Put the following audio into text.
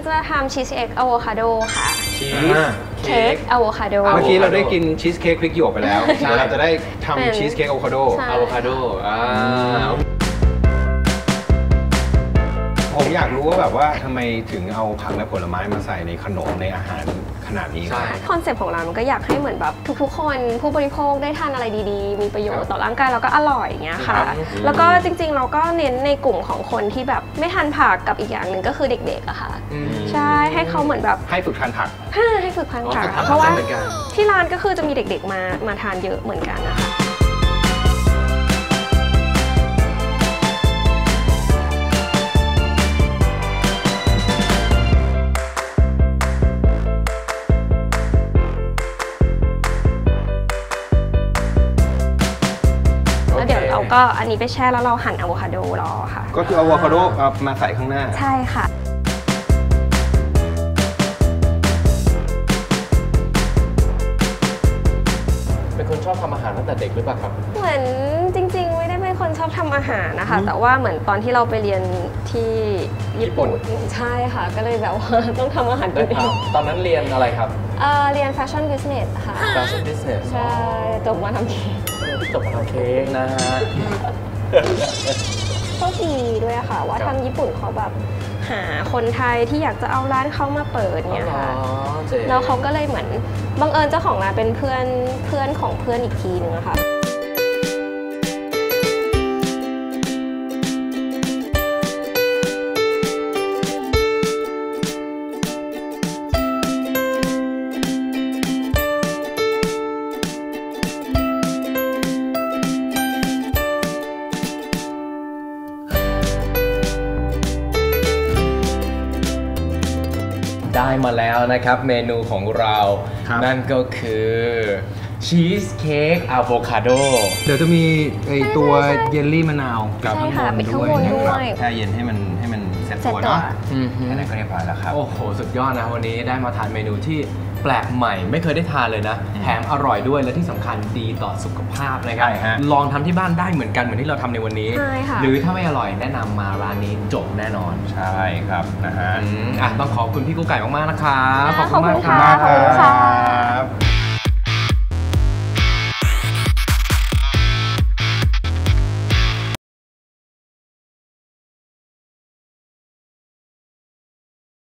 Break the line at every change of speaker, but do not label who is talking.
จะทำชีสเค้กอะโวคาโดค่ะ
ชีส
เค้กอะโวคาโด
เมื่อกี้เราได้กินชีสเค้กพริกหยวกไปแล้วเดี๋ยวเราจะได้ทำชีสเค้กอะโวคาโดผมอยากรู้ว่าแบบว่าทำไมถึงเอาผักและผลไม้มาใส่ในขนมในอาหารขนาดนี้
คอนเซ็ปต์ของเรามันก็อยากให้เหมือนแบบทุกๆคนผู้บริโภคได้ทานอะไรดีๆมีประโยชน์ต่อร่างกายแล้วก็อร่อยอย่างเงี้ยค่ะแล้วก็จริงๆเราก็เน้นในกลุ่มของคนที่แบบไม่ทานผักกับอีกอย่างหนึ่งก็คือเด็กๆอะค่ะใช่ให้เขาเหมือนแบบ
ให้ฝึกทานผัก
ให้ฝึกทานผักเพราะว่าที่ร้านก็คือจะมีเด็กๆมาทานเยอะเหมือนกันนะคะเราก็อันนี้ไปแช่แล้วเราหั่นอะโวคาโดรอค่ะ
ก็คืออะโวคาโดมาใส่ข้างหน้า
ใช่ค่ะ
เป็นคนชอบทำอาหารตั้งแต่เด็กหรือเปล่าครับ
เหมือนจริงๆไม่ได้เป็นคนชอบทำอาหารนะคะแต่ว่าเหมือนตอนที่เราไปเรียนที่ญี่ปุ่นใช่ค่ะก็เลยแบบว่าต้องทำอาหารกินเอง
ตอนนั้นเรียนอะไรครับ
เรียนแฟชั่นบิสเนสค่ะ
แฟชั่นบิสเนส
ใช่จบมาทำเค้ก
นะฮะ
โชคดีด้วยค่ะว่าทางญี่ปุ่นเขาแบบหาคนไทยที่อยากจะเอาร้านเขามาเปิดเนี่ยค่ะแล้วเขาก็เลยเหมือนบังเอิญเจ้าของร้านเป็นเพื่อนของเพื่อนอีกทีนึงอะค่ะ
ได้มาแล้วนะครับเมนูของเรานั่นก็คือชีสเค้กอะโวคาโด
เดี๋ยวจะมีไอตัวเยลลี่มะนาวกับ
ข้างบนด้วยนะครับ
แช่เย็นให้มันเซ็ตตัวเนาะอันนั้นก็เรียบร้อยแล้วครับ
โอ้โหสุดยอดนะวันนี้ได้มาทานเมนูที่แปลกใหม่ไม่เคยได้ทานเลยนะแถมอร่อยด้วยและที่สำคัญดีต่อสุขภาพนะครับลองทำที่บ้านได้เหมือนกันเหมือนที่เราทำในวันนี้หรือถ้าไม่อร่อยแนะนำมาร้านนี้จบแน่นอน
ใช่ครับนะฮะ
ต้องขอบคุณพี่กุ๊กไก่มากๆนะครับ
ขอบคุณมากค่ะ